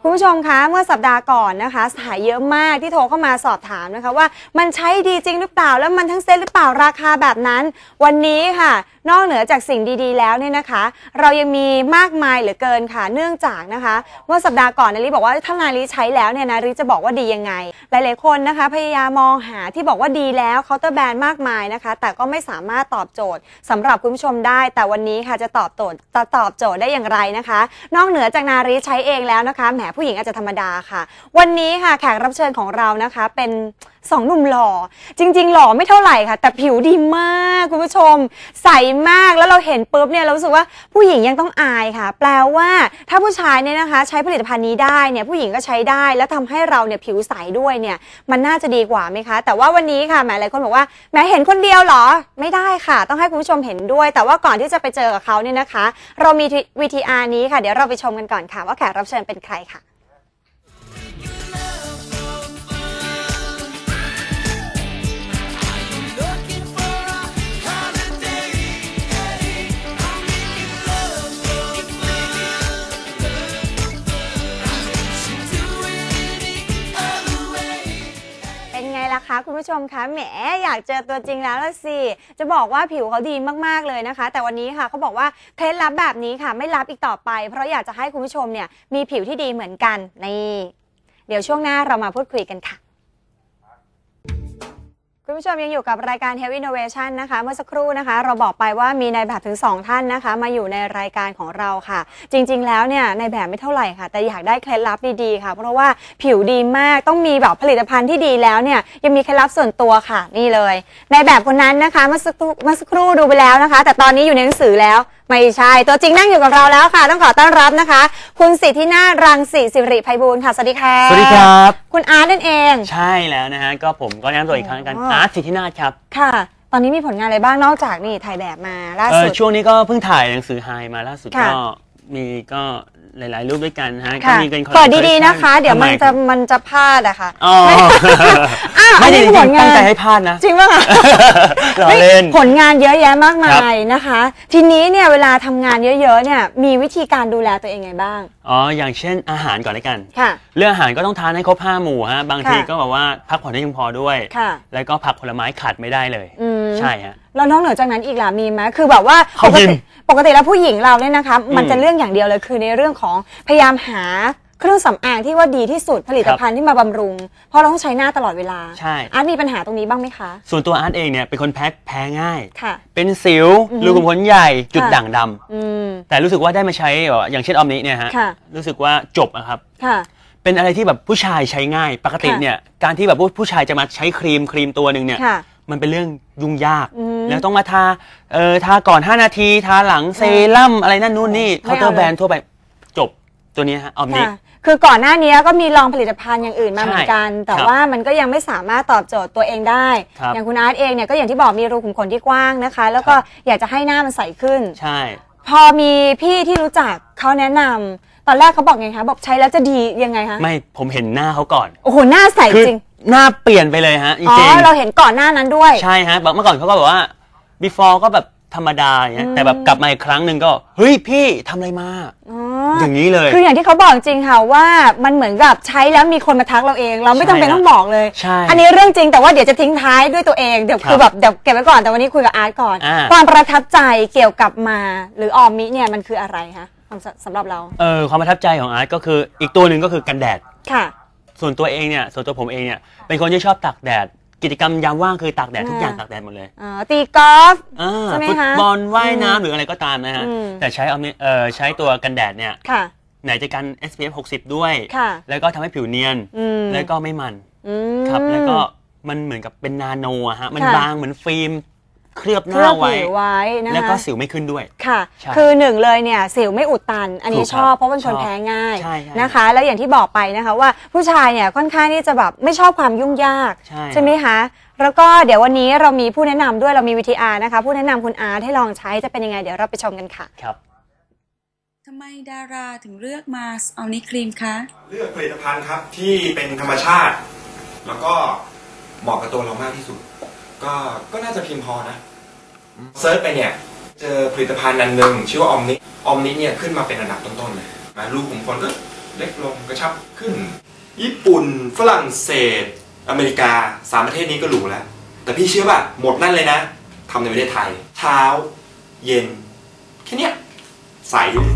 คุณผู้ชมคะเมื่อสัปดาห์ก่อนนะคะสายเยอะมากที่โทรเข้ามาสอบถามนะคะว่ามันใช้ดีจริงหรือเปล่าแล้วมันทั้งเซ็ตหรือเปล่าราคาแบบนั้นวันนี้ค่ะนอกเหนือจากสิ่งดีๆแล้วเนี่ยนะคะเรายังมีมากมายเหลือเกินค่ะเนื่องจากนะคะเมื่อสัปดาห์ก่อนนาริบอกว่าถ้านาริใช้แล้วเนี่ยนาริจะบอกว่าดียังไงหลายๆคนนะคะพยายามมองหาที่บอกว่าดีแล้วเคาน์เตอร์แบรนด์มากมายนะคะแต่ก็ไม่สามารถตอบโจทย์สำหรับคุณผู้ชมได้แต่วันนี้ค่ะจะตอบโจทย์ได้อย่างไรนะคะนอกเหนือจากนาริใช้เองแล้วนะคะแหมผู้หญิงอาจจะธรรมดาค่ะวันนี้ค่ะแขกรับเชิญของเรานะคะเป็น2 หนุ่มหล่อจริงๆหล่อไม่เท่าไหร่ค่ะแต่ผิวดีมากคุณผู้ชมใสมากแล้วเราเห็นปุ๊บเนี่ยเรารู้สึกว่าผู้หญิงยังต้องอายค่ะแปลว่าถ้าผู้ชายเนี่ยนะคะใช้ผลิตภัณฑ์นี้ได้เนี่ยผู้หญิงก็ใช้ได้แล้วทำให้เราเนี่ยผิวใสด้วยเนี่ยมันน่าจะดีกว่าไหมคะแต่ว่าวันนี้ค่ะหลายคนบอกว่าแม้เห็นคนเดียวเหรอไม่ได้ค่ะต้องให้คุณผู้ชมเห็นด้วยแต่ว่าก่อนที่จะไปเจอกับเขาเนี่ยนะคะเรามี VTR นี้ค่ะเดี๋ยวเราไปชมกันก่อนค่ะว่าแขกรับเชิญเป็นใครค่ะคะคุณผู้ชมคะแหมอยากเจอตัวจริงแล้วละสิจะบอกว่าผิวเขาดีมากๆเลยนะคะแต่วันนี้ค่ะเขาบอกว่าเคล็ดลับแบบนี้ค่ะไม่ลับอีกต่อไปเพราะอยากจะให้คุณผู้ชมเนี่ยมีผิวที่ดีเหมือนกันนี่เดี๋ยวช่วงหน้าเรามาพูดคุยกันค่ะคุณผู้ชมยังอยู่กับรายการ Health Innovation นะคะเมื่อสักครู่นะคะเราบอกไปว่ามีนายแบบถึง2ท่านนะคะมาอยู่ในรายการของเราค่ะจริงๆแล้วเนี่ยนายแบบไม่เท่าไหร่ค่ะแต่อยากได้เคล็ดลับดีๆค่ะเพราะว่าผิวดีมากต้องมีแบบผลิตภัณฑ์ที่ดีแล้วเนี่ยยังมีเคล็ดลับส่วนตัวค่ะนี่เลยนายแบบคนนั้นนะคะเมื่อสักครู่ดูไปแล้วนะคะแต่ตอนนี้อยู่ในหนังสือแล้วไม่ใช่ตัวจริงนั่งอยู่กับเราแล้วค่ะต้องขอต้อนรับนะคะคุณสิทธินาถรังสีสิริไพบูลย์ค่ะสวัสดีค่ะสวัสดีครับคุณอาร์ตนั่นเองใช่แล้วนะฮะก็ผมก็แนะนำตัวอีกครั้งกันอาร์ตสิทธินาถครับค่ะตอนนี้มีผลงานอะไรบ้างนอกจากนี่ถ่ายแบบมาล่าสุดช่วงนี้ก็เพิ่งถ่ายหนังสือไฮมาล่าสุดก็มีก็หลายๆรูปด้วยกันฮะก็มีเป็นเปิดดีๆนะคะเดี๋ยวมันจะพลาดอะค่ะไม่ได้ผลงานตั้งใจให้พลาดนะจริงป่ะคะผลงานเยอะแยะมากมายนะคะทีนี้เนี่ยเวลาทำงานเยอะๆเนี่ยมีวิธีการดูแลตัวเองไงบ้างอย่างเช่นอาหารก่อนเลยกันเรื่องอาหารก็ต้องทานให้ครบ5 หมู่ฮะบางทีก็แบบว่าพักผ่อนให้เพียงพอด้วยแล้วก็ผักผลไม้ขาดไม่ได้เลยใช่ฮะแล้วนอกเหนือจากนั้นอีกล่ะมีไหมคือแบบว่าปกติแล้วผู้หญิงเราเนี่ยนะคะมันจะเรื่องอย่างเดียวเลยคือในเรื่องของพยายามหาเครื่องสำอางที่ว่าดีที่สุดผลิตภัณฑ์ที่มาบำรุงเพราะเราต้องใช้หน้าตลอดเวลาใช่อาร์ตมีปัญหาตรงนี้บ้างไหมคะส่วนตัวอาร์ตเองเนี่ยเป็นคนแพ้ง่ายเป็นสิวรูขุมขนใหญ่จุดด่างดำแต่รู้สึกว่าได้มาใช้อย่างเช่นออมนี้เนี่ยฮะรู้สึกว่าจบอะครับเป็นอะไรที่แบบผู้ชายใช้ง่ายปกติเนี่ยการที่แบบผู้ชายจะมาใช้ครีมตัวหนึ่งเนี่ยมันเป็นเรื่องยุ่งยากแล้วต้องมาทาก่อน5 นาทีทาหลังเซรั่มอะไรนั่นนู่นนี่เคาน์เตอร์แบรนด์ทั่วไปจบตัวนี้ฮะออมนี้คือก่อนหน้านี้ก็มีลองผลิตภัณฑ์อย่างอื่นมาเหมือนกันแต่ว่ามันก็ยังไม่สามารถตอบโจทย์ตัวเองได้อย่างคุณอาร์ตเองเนี่ยก็อย่างที่บอกมีรูขุมขนที่กว้างนะคะแล้วก็อยากจะให้หน้ามันใสขึ้นใช่พอมีพี่ที่รู้จักเขาแนะนำตอนแรกเขาบอกไงคะบอกใช้แล้วจะดียังไงคะไม่ผมเห็นหน้าเขาก่อนโอ้โหหน้าใสจริงหน้าเปลี่ยนไปเลยฮะจริงเราเห็นก่อนหน้านั้นด้วยใช่ฮะเมื่อก่อนเขาก็บอกว่า before ก็แบบธรรมดาอย่างเงี้ยแต่แบบกลับมาอีกครั้งหนึ่งก็เฮ้ยพี่ทำอะไรมาอย่างนี้เลยคืออย่างที่เขาบอกจริงค่ะว่ามันเหมือนกับใช้แล้วมีคนมาทักเราเองเราไม่จำเป็นต้องบอกเลยอันนี้เรื่องจริงแต่ว่าเดี๋ยวจะทิ้งท้ายด้วยตัวเองเดี๋ยวคือแบบเดี๋ยวเก็บไว้ก่อนแต่วันนี้คุยกับอาร์ตก่อนความประทับใจเกี่ยวกับมาหรือออมมิเนี่ยมันคืออะไรคะสำหรับเราความประทับใจของอาร์ตก็คืออีกตัวหนึ่งก็คือกันแดดค่ะส่วนตัวผมเองเนี่ยเป็นคนที่ชอบตากแดดกิจกรรมยามว่างคือตากแดดทุกอย่างตากแดดหมดเลยตีกอล์ฟใช่ไหมคะฟุตบอลว่ายน้ำหรืออะไรก็ตามนะฮะแต่ใช้ตัวกันแดดเนี่ยไหนจะกัน SPF 60 ด้วยแล้วก็ทำให้ผิวเนียนแล้วก็ไม่มันครับแล้วก็มันเหมือนกับเป็นนาโนฮะมันบางเหมือนฟิล์มเคลือบหน้าไว้นะคะแล้วก็สิวไม่ขึ้นด้วยค่ะคือหนึ่งเลยเนี่ยสิวไม่อุดตันอันนี้ชอบเพราะเป็นคนแพ้ง่ายนะคะแล้วอย่างที่บอกไปนะคะว่าผู้ชายเนี่ยค่อนข้างที่จะแบบไม่ชอบความยุ่งยากใช่ไหมคะแล้วก็เดี๋ยววันนี้เรามีผู้แนะนำด้วยเรามี VTR นะคะผู้แนะนำคุณอาร์ตให้ลองใช้จะเป็นยังไงเดี๋ยวเราไปชมกันค่ะครับทำไมดาราถึงเลือกมาเอานี้ครีมคะเลือกผลิตภัณฑ์ครับที่เป็นธรรมชาติแล้วก็เหมาะกับตัวเรามากที่สุดก็น่าจะเพียงพอนะเซิร์ชไปเนี่ยเจอผลิตภัณฑ์อันหนึ่งชื่อว่าออมนิเนี่ยขึ้นมาเป็นอันดับต้นๆเลยนะรูขุมขนก็เล็กลงกระชับขึ้น ญี่ปุ่นฝรั่งเศสอเมริกา3ประเทศนี้ก็หรูแล้วแต่พี่เชื่อป่ะหมดนั่นเลยนะทำในประเทศไทยเช้าเย็นแค่เนี้ยใสเลย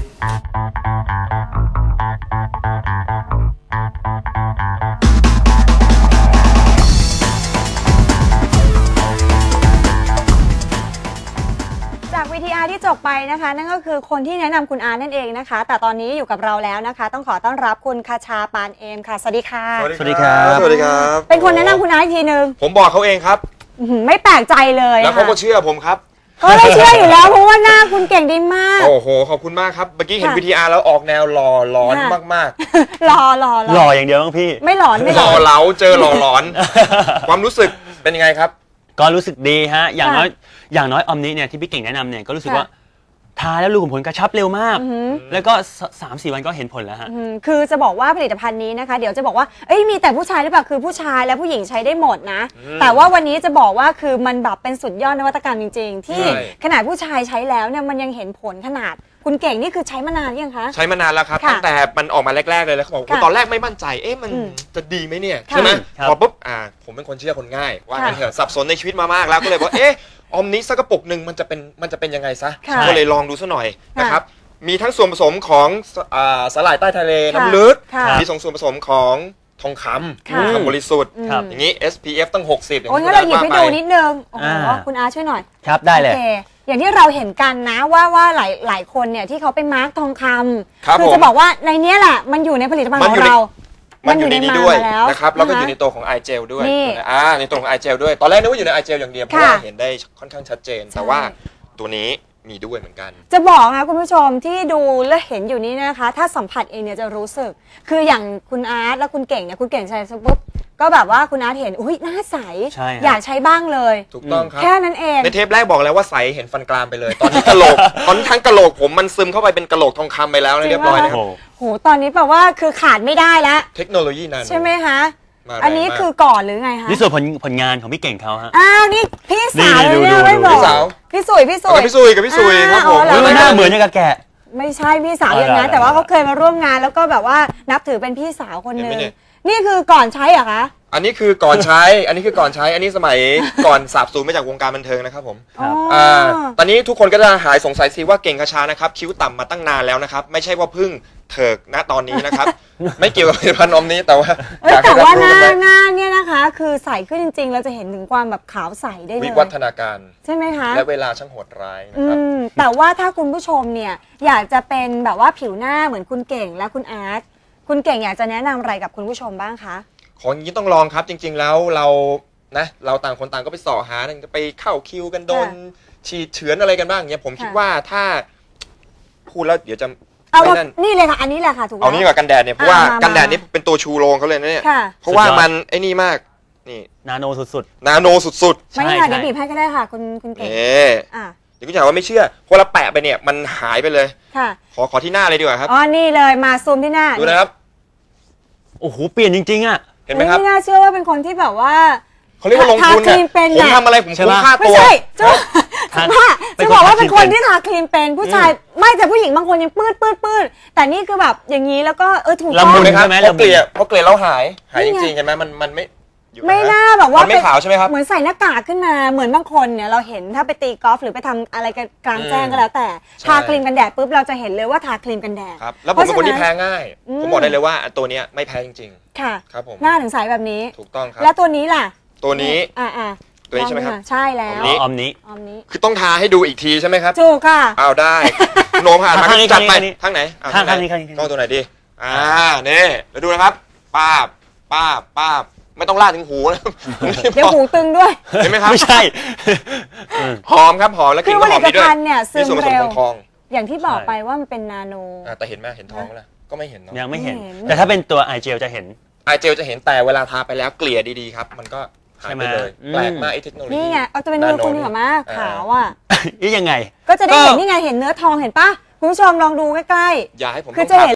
จาก VTR ที่จบไปนะคะนั่นก็คือคนที่แนะนำคุณอาร์นั่นเองนะคะแต่ตอนนี้อยู่กับเราแล้วนะคะต้องขอต้อนรับคุณคชาปานเอมค่ะสวัสดีค่ะสวัสดีครับสวัสดีครับเป็นคนแนะนำคุณอาร์อีกทีนึงผมบอกเขาเองครับไม่แปลกใจเลยแล้วเขาก็เชื่อผมครับก็ได้เชื่ออยู่แล้วเพราะว่าหน้าคุณเก่งดีมากโอ้โหขอบคุณมากครับเมื่อกี้เห็น VTR แล้วออกแนวหล่อหลอนมากหล่อหล่ออย่างเดียวบ้างพี่ไม่หลอนไม่ๆหหลล่ออน เหลาเจอหล่อหลอน ความรู้สึกเป็นยังไงครับก็รู้สึกดีฮะอย่างน้อยออมนี้เนี่ยที่พี่เก่งแนะนำเนี่ยก็รู้สึกว่าทาแล้วรูขุมขนกระชับเร็วมากแล้วก็ 3-4 วันก็เห็นผลแล้วฮะคือจะบอกว่าผลิตภัณฑ์นี้นะคะเดี๋ยวจะบอกว่าเอ้ยมีแต่ผู้ชายหรือเปล่าคือผู้ชายและผู้หญิงใช้ได้หมดนะแต่ว่าวันนี้จะบอกว่าคือมันแบบเป็นสุดยอดนวัตกรรมจริงๆที่ขนาดผู้ชายใช้แล้วเนี่ยมันยังเห็นผลขนาดคุณเก่งนี่คือใช้มานานยังคะใช้มานานแล้วครับตั้งแต่มันออกมาแรกๆเลยแล้วเขาบอกตอนแรกไม่มั่นใจมันจะดีไหมเนี่ยใช่ไหมพอปุ๊บผมเป็นคนเชื่อคนง่ายว่างั้นเถอะสับสนในชีวิตมามากแล้วก็เลยบอกออมนี้สักกระปุกหนึ่งมันจะเป็นยังไงซะก็เลยลองดูซะหน่อยนะครับมีทั้งส่วนผสมของสาหร่ายใต้ทะเลน้ำลึกมีส่วนผสมของทองคำบริสุทธิ์อย่างนี้ SPF ตั้ง60อย่างโอ้ยงั้นเราหยิบให้ดูนิดนึงโอ้โหคุณอาช่วยหน่อยครับได้เลยอย่างที่เราเห็นกันนะว่าหลายคนเนี่ยที่เขาไปมาร์กทองคำคือจะบอกว่าในนี้แหละมันอยู่ในผลิตภัณฑ์ของเรามันอยู่ในนี้ด้วยนะครับแล้วก็อยู่ในตัวของ i gel ด้วยในตัวของ i gel ด้วยตอนแรกนึกว่าอยู่ใน i gel อย่างเดียวเพราะว่าเห็นได้ค่อนข้างชัดเจนแต่ว่าตัวนี้มีด้วยเหมือนกันจะบอกนะคุณผู้ชมที่ดูและเห็นอยู่นี้นะคะถ้าสัมผัสเองเนี่ยจะรู้สึกคืออย่างคุณอาร์ตและคุณเก่งเนี่ยคุณเก่งใช้ปุ๊บก็แบบว่าคุณอาร์ตเห็นอุ้ยหน้าใสอยากใช้บ้างเลยถูกต้องครับแค่นั้นเองในเทปแรกบอกแล้วว่าใสเห็นฟันกรามไปเลยตอนนี้กะโหลกตอนทั้งกะโหลกผมมันซึมเข้าไปเป็นกะโหลกทองคำไปแล้วเรียบร้อยนะครับโหตอนนี้แปลว่าคือขาดไม่ได้แล้วเทคโนโลยีนั้นใช่ไหมคะอันนี้คือก่อนหรือไงคะนี่ส่วนผลงานของพี่เก่งเขาฮะนี่พี่สาวเนี่ยไม่บอกพี่สุยกับพี่สุยครับผมหน้าเหมือนกับแกะไม่ใช่พี่สาวอย่างนั้นแต่ว่าเขาเคยมาร่วมงานแล้วก็แบบว่านับถือเป็นพี่สาวคนนึงนี่คือก่อนใช้เหรอคะอันนี้คือก่อนใช้อันนี้สมัยก่อนสาบสูญมาจากวงการบันเทิงนะครับผมตอนนี้ทุกคนก็จะหายสงสัยสิว่าเก่งคชานะครับคิ้วต่ำมาตั้งนานแล้วนะครับไม่ใช่ว่าเพิ่งเถิกณตอนนี้นะครับไม่เกี่ยวกับผลิตภัณฑ์นมนี้แต่ว่าหน้าเนี่ยนะคะคือใสขึ้นจริงๆเราจะเห็นถึงความแบบขาวใสได้เลยวิวัฒนาการใช่ไหมคะและเวลาช่างโหดร้ายนะครับแต่ว่าถ้าคุณผู้ชมเนี่ยอยากจะเป็นแบบว่าผิวหน้าเหมือนคุณเก่งและคุณอาร์ตคุณเก่งอยากจะแนะนำอะไรกับคุณผู้ชมบ้างคะของอย่างนี้ต้องลองครับจริงๆแล้วเราต่างคนต่างก็ไปเสาะหาไปเข้าคิวกันโดนฉีดเฉือนอะไรกันบ้างเนี่ยผมคิดว่าถ้าพูดแล้วเดี๋ยวจะนี่เลยค่ะอันนี้แหละค่ะถูกเอานี่กับกันแดดเนี่ยเพราะว่ากันแดดนี่เป็นตัวชูโรงเขาเลยนะเนี่ยเพราะว่ามันไอ้นี่มากนี่นาโนสุดๆนาโนสุดๆไม่ค่ะเดี๋ยวบีบให้ก็ได้ค่ะคุณเก่งเดี๋ยวคุณจ๋าว่าไม่เชื่อพอเราแปะไปเนี่ยมันหายไปเลยค่ะขอที่หน้าเลยดีกว่าครับนี่เลยมาซูมที่หน้าดูนะครับโอ้โหเปลี่ยนจริงๆอ่ะเห็นไหมครับไม่น่าเชื่อว่าเป็นคนที่แบบว่าเขาเรียกว่าลงทุนเนี่ยผมทำอะไรผมคุ้มค่าตัวไม่ใช่จะบอกว่าเป็นคนที่ทาครีมเป็นผู้ชายไม่แต่ผู้หญิงบางคนยังปื้ดแต่นี่คือแบบอย่างนี้แล้วก็ถูกต้องเลยครับเพราะเกลี่ยแล้วหายจริงๆเห็นไหมมันไม่น่าแบบว่าไม่ขาวใช่ไหมครับเหมือนใส่หน้ากากขึ้นมาเหมือนบางคนเนี่ยเราเห็นถ้าไปตีกอล์ฟหรือไปทำอะไรกันกลางแจ้งก็แล้วแต่ทาครีมกันแดดปุ๊บเราจะเห็นเลยว่าทาครีมกันแดดครับแล้วผมเป็นคนที่แพ้ง่ายผมบอกได้เลยว่าตัวนี้ไม่แพ้จริงๆค่ะครับผมหน้าถึงใสแบบนี้ถูกต้องครับแล้วตัวนี้ล่ะตัวนี้ตัวนี้ใช่ไหมครับใช่แล้วออมนี้คือต้องทาให้ดูอีกทีใช่ไหมครับถูกค่ะเอาได้โน้มผ่านมาจัดไปทางไหนทางนี้ต้องตัวไหนดีนี่แล้วดูนะครับป้าบไม่ต้องลาดถึงหูนะเดี๋ยวหูตึงด้วยเห็นไหมครับไม่ใช่หอมครับหอมแล้วกลิ่นก็หอมดีด้วยมีส่วนผสมของทองอย่างที่บอกไปว่ามันเป็นนาโนแต่เห็นไหมเห็นทองแล้วก็ไม่เห็นเนาะยังไม่เห็นแต่ถ้าเป็นตัวไอเจลจะเห็นแต่เวลาทาไปแล้วเกลี่ยดีๆครับมันก็หายไปเลยแปลกมากไอ้เทคโนโลยีนี่ไงเอาจะเป็นมือคุณเหรอมากขาวอ่ะนี่ยังไงก็จะได้เห็นนี่ไงเห็นเนื้อทองเห็นปะคุณผู้ชมลองดูใกล้ๆอย่าให้ผมคือจะเห็น